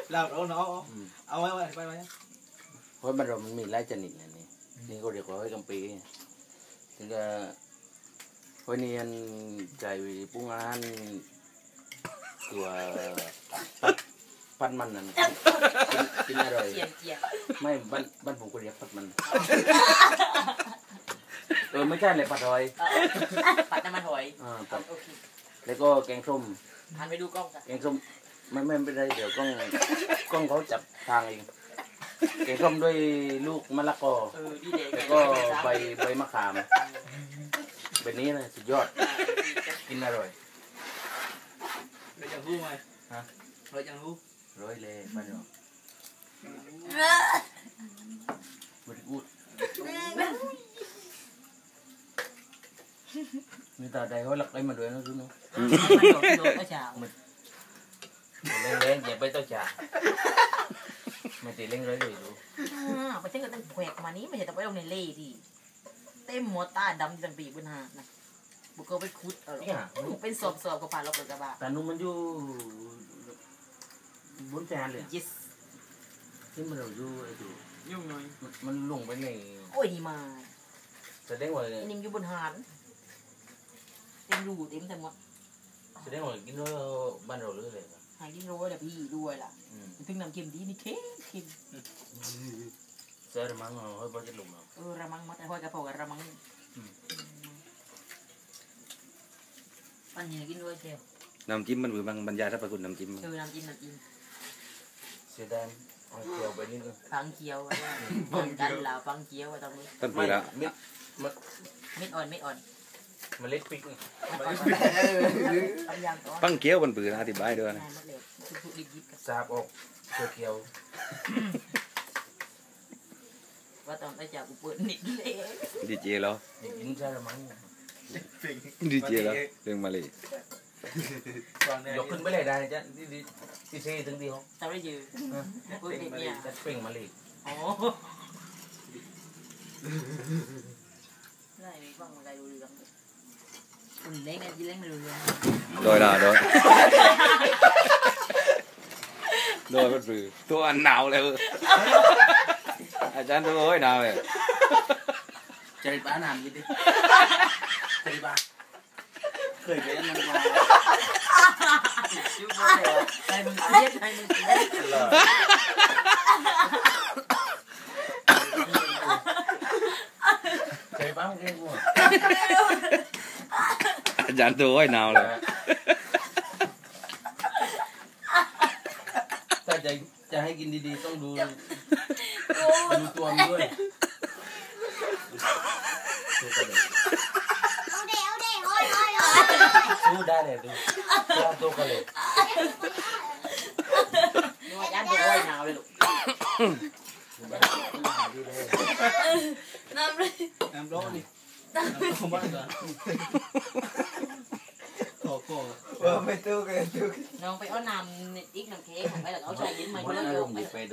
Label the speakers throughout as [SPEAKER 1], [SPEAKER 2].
[SPEAKER 1] เราเนาะเอาไว้ไป
[SPEAKER 2] เพราะมันมีหลายชนิดนะนี่ก็เรียกว่าหอยกำปีถึงจะหอยนี่ใจปรุงอาหารตัวพัดมันนั่นกินอร่อยไม่บ้านผมก็เรียกพัดมันไม่ใช่เลยผัดหอย
[SPEAKER 3] ผัดน้ำมันหอย
[SPEAKER 2] แล้วก็แกงส้ม
[SPEAKER 3] หันไปดูกล้องจ้ะ
[SPEAKER 2] แกงส้มไม่เป็นไรเดี๋ยวกล้องเขาจับทางเองแกงส้มด้วยลูกมะละกอแล้วก็ใบมะขามแบบนี้นะสุดยอดกินอร่อย
[SPEAKER 1] เราจะรู้ไหมฮะเราจะรู้
[SPEAKER 2] ร้อยเลยไปเนาะบริกูดมีตาใดเขาหลักไอ้มาด้วยนะทุกน้องเล่นอย่าไปเต้าจ่าไม่ตีเล่นเลยดู
[SPEAKER 3] ไปเช่นกับตั้งแขวกมานี้ไม่ใช่แต่ไปลงในเล่ดิเต็มหมดตาดำจังปีบนหานะบุกเข้าไปคุดเป็นสอบกับผ่านรถกระบะ
[SPEAKER 2] แต่นุ่มมันอยู่บนแจนเลยที่มันเราอยู่ไอ้ดู
[SPEAKER 1] ยุ่งหน่อย
[SPEAKER 2] มันลงไปใน
[SPEAKER 3] โอ้ยดีมา
[SPEAKER 2] แสดงว่า
[SPEAKER 3] นิ่มอยู่บนหาดเต็มรูเต็มทั้งหมด
[SPEAKER 2] แสดงว่ากินด้วยบ้านเราเลยเลย
[SPEAKER 3] หายกินรู้แต่พี่ด้วยล่ะถึงน้ำเค็มดีนี่เค็ม
[SPEAKER 2] เจอระมังเฮ้ยบอจะลงเรา
[SPEAKER 3] ระมังมัดไอ้ห้อยกระเพาะระมังปันยังกินด้วยเชียว
[SPEAKER 4] น้ำจิ้มมันคือบรรยายถ้าไปคุณน้ำจิ้ม
[SPEAKER 3] น้ำจิ้ม
[SPEAKER 2] เสียดายเขียวไปนิดนึง
[SPEAKER 3] ฟังเขียวกันแล้วฟังเขียวตรงนี้
[SPEAKER 4] ต้นปีละ
[SPEAKER 3] เม็ดอ่อน
[SPEAKER 2] มันเล็กปิ๊ก
[SPEAKER 4] ปังเกี้ยวมันปืนอธิบายด้วยนะ
[SPEAKER 2] สาบออกเขียว
[SPEAKER 3] ว่าตอนไปจากกูเปิดนิดเลย
[SPEAKER 4] ดีเจแล้ว
[SPEAKER 2] กินใช่หรือมั้ง
[SPEAKER 4] ดีเจแล้วเรื่องมาเลย
[SPEAKER 2] ยกขึ้นไปเลยได้จ้ะดีเจถึงดีเขา
[SPEAKER 3] ทำได้ยืนเปิดเนี่ย
[SPEAKER 2] จะเป่งมาเลย
[SPEAKER 3] อ๋อได้ฟังอะไรดูเรื่องคุณเล่นกันยิ่งเล่นไม่รู้เรื่อง
[SPEAKER 4] โดยมันปืนตัวหนาวเลยอาจารย์ตัวโอ้ยหนาวเลย
[SPEAKER 2] ใจบ้าน้ำยินดิใจบ้าเคยไปอันนั้นมา
[SPEAKER 3] ใจมึงเทียบใจมึงเทียบ
[SPEAKER 2] ใจบ้ามึงเองว่ะ
[SPEAKER 4] อาจารย์ตัวโอ้ยหนาวเลย
[SPEAKER 2] ถ้าจะให้กินดีๆต้องดูตัวมันด้วยสู้ได้เลยดูตัวกันเลย
[SPEAKER 3] ยันตัวโอ้ยหนาวเลยลูกน้
[SPEAKER 1] ำร้อนดิน้ำบ้านก่อนไม่ตู้กัน
[SPEAKER 3] น้องไปเอาน้ำอีกน้ำเค้กของไปแล้วเอาชายยิ้มมาด้วยลงไปดู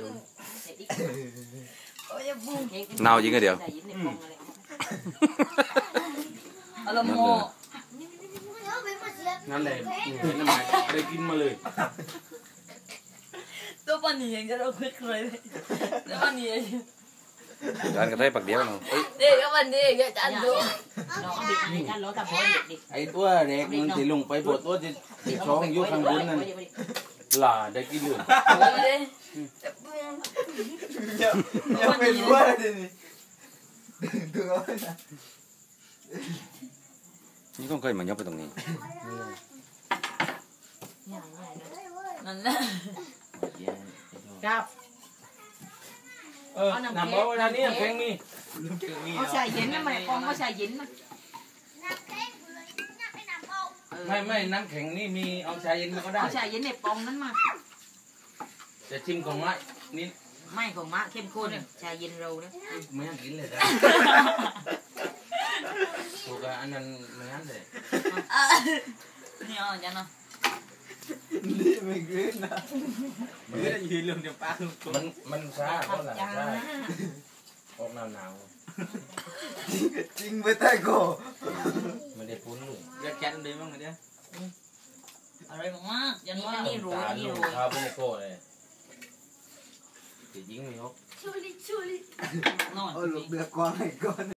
[SPEAKER 4] หนาวจริงก็เดี๋ยว
[SPEAKER 3] อารมณ์โม
[SPEAKER 2] นั่นแหละเป็นน้ำมันได้กินมาเลย
[SPEAKER 3] ตัวปันนี่ยังจะเราคุยเลยตัวปันนี่
[SPEAKER 4] จานกระไทยปักเดียวเนาะ
[SPEAKER 3] เด็กก็วันนี้ก็จานดูน้องเอาบิดกันล้อตะโพนเด็ก
[SPEAKER 2] ไอ้ตัวเด็กมันติลงไปปวดตัวติดท้องยุ่งข้างบนนั่นหล่าได้กินเลย
[SPEAKER 1] ยังไม่รู้อะไรนี่ดูเอาไปนะ
[SPEAKER 4] นี่ต้องเคยมายกไปตรงนี้
[SPEAKER 3] นั่นแหละครับ
[SPEAKER 2] น้ำร้อนอันนี้น้ำแข็งมี
[SPEAKER 3] เอาใส่เย็นนะมันกองเอาใส่เย็นนะ
[SPEAKER 2] ไม่น้ำแข็งนี่มีเอาชาเย็นมาก็ได้
[SPEAKER 3] เอาชาเย็นในปองนั้นมา
[SPEAKER 2] จะชิมของไม้นี่
[SPEAKER 3] ไม่ของมะเข้มข้นชาเย็นเราเนี่ย
[SPEAKER 2] ไม่อยากกินเลยจ้ะถูกอันนั้นไม่งั้นเลย
[SPEAKER 3] นี่อ๋อจังเนาะ
[SPEAKER 1] นี่ไม่กลืนนะไม่ได้ยืนเรื่องเดียวป้า
[SPEAKER 2] มันช้าเพราะอะไรช้าออกหนาว
[SPEAKER 1] จริงไปใต้โก
[SPEAKER 2] มันได้ปุ้นเลย
[SPEAKER 1] อยากแข่งดีมั้งเนี่ย
[SPEAKER 3] อะไรมากๆอย่างนี้รู้
[SPEAKER 2] ข้าวเป็นโก้เลยยิงไม่ออก
[SPEAKER 3] ช่วยลิช่วยลินอน
[SPEAKER 1] เอาหลบเดือดก่อนให้ก่อน